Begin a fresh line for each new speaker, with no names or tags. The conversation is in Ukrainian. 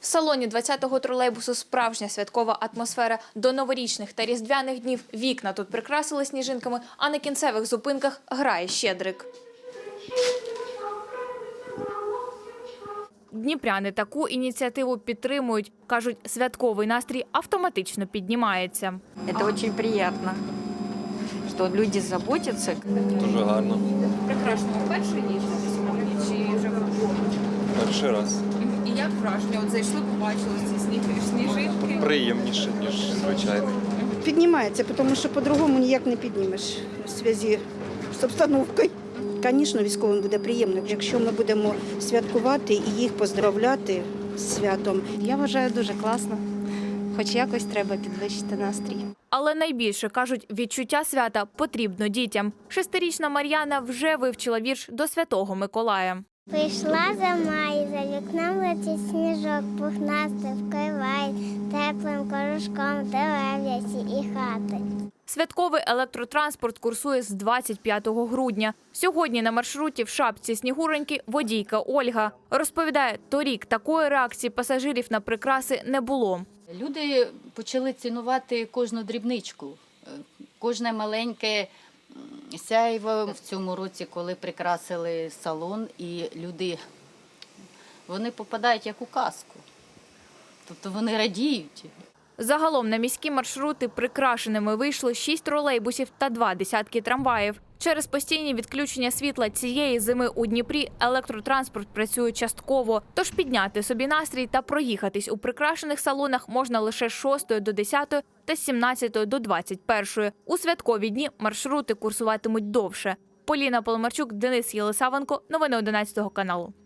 В салоні 20-го тролейбусу справжня святкова атмосфера. До новорічних та різдвяних днів вікна тут прикрасили сніжинками, а на кінцевих зупинках грає щедрик. Дніпряни таку ініціативу підтримують. Кажуть, святковий настрій автоматично піднімається.
Це дуже приємно, що люди заботяться.
Дуже гарно.
Прекрасно. Перший їздите сьогодні чи вже
Перший раз.
І як враження? От зайшли, побачили ці сніжинки.
Приємніше, ніж звичайно.
Піднімається, тому що по-другому ніяк не піднімеш у зв'язку з обстановкою. Звісно, військовим буде приємно, якщо ми будемо святкувати і їх поздравляти з святом.
Я вважаю, дуже класно. Хоч якось треба підвищити настрій.
Але найбільше, кажуть, відчуття свята потрібно дітям. 6-річна Мар'яна вже вивчила вірш до Святого Миколая.
Прийшла зима, і за вікном летить сніжок, пухнастий вкриває теплим корушком дерев'я і хати.
Святковий електротранспорт курсує з 25 грудня. Сьогодні на маршруті в шапці Снігуроньки водійка Ольга. Розповідає, торік такої реакції пасажирів на прикраси не було.
Люди почали цінувати кожну дрібничку, кожне маленьке сяйво. В цьому році, коли прикрасили салон, і люди, вони попадають як у казку. Тобто вони радіють.
Загалом на міські маршрути прикрашеними вийшло 6 тролейбусів та 2 десятки трамваїв. Через постійні відключення світла цієї зими у Дніпрі електротранспорт працює частково. Тож підняти собі настрій та проїхатись у прикрашених салонах можна лише з 6 до 10 та з 17 до 21. У святкові дні маршрути курсуватимуть довше. Поліна Поломарчук, Денис Єлисавенко. Новини 11 каналу.